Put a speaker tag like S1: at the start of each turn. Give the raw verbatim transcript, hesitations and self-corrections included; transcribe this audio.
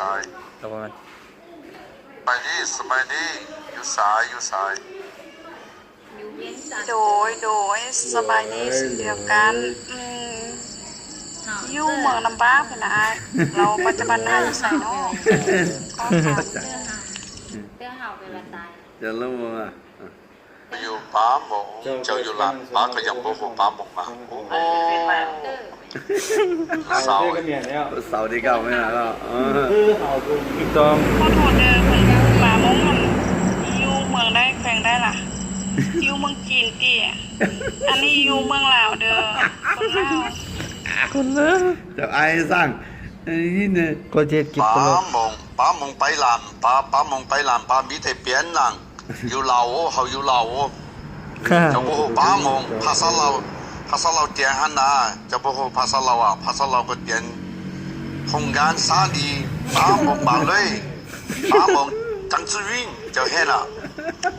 S1: าย
S2: ตะวัน
S1: ไปนี่สมัยนี้อยู่สายอยู่สาย
S3: อยู่เวียงจันทร์
S4: โดยโดยสบายดีเดียวกันอืมอยู่เมืองลำบากพี่นะอ้ายเราปัจจุบันน่าอยู่ใส่เนาะก็ถาม
S3: เตื้อเห่าเตื้อเห่าเป็นวันตาย
S2: จะรู้มั้งอ่ะ
S1: อยู่ป้าหมงเจ้าอยู่หลังป้าก็ยังบอกว่าป้าหมงมาโอ้โห
S3: เตื้อ
S1: สาว
S2: เสาร์ที่เก้าไม่นานแล้วอ๋อถูกต้อง
S4: ขอโทษเด้อเพิ่นมามงมันอยู่เมืองได้แขวงได้ล่ะอยู่เมืองจีนติอันนี้อยู่เมืองลาวเด้อคนลาว
S2: เดี๋ยวไอ้สั่งไอ้นี่เนี่ยก็เจ็ดกิบ
S1: ป้า
S2: ตลอด
S1: หมงป้าหมงไปหลานป้าป้าหมงไปหลานป้ามีแต่เปลี่ยนหลังอยู่เหล่าเขาอยู่เหล่าจะบอกว่าป้าหมงภาษาเราภาษาเราเตียนฮันนาจะบอกว่าภาษาเราอ่ะภาษาเราก็เตียนโครงการสาดีป้าหมงมาเลยป้าหมงจังจื้อวิ่งจะเห็นอ่ะ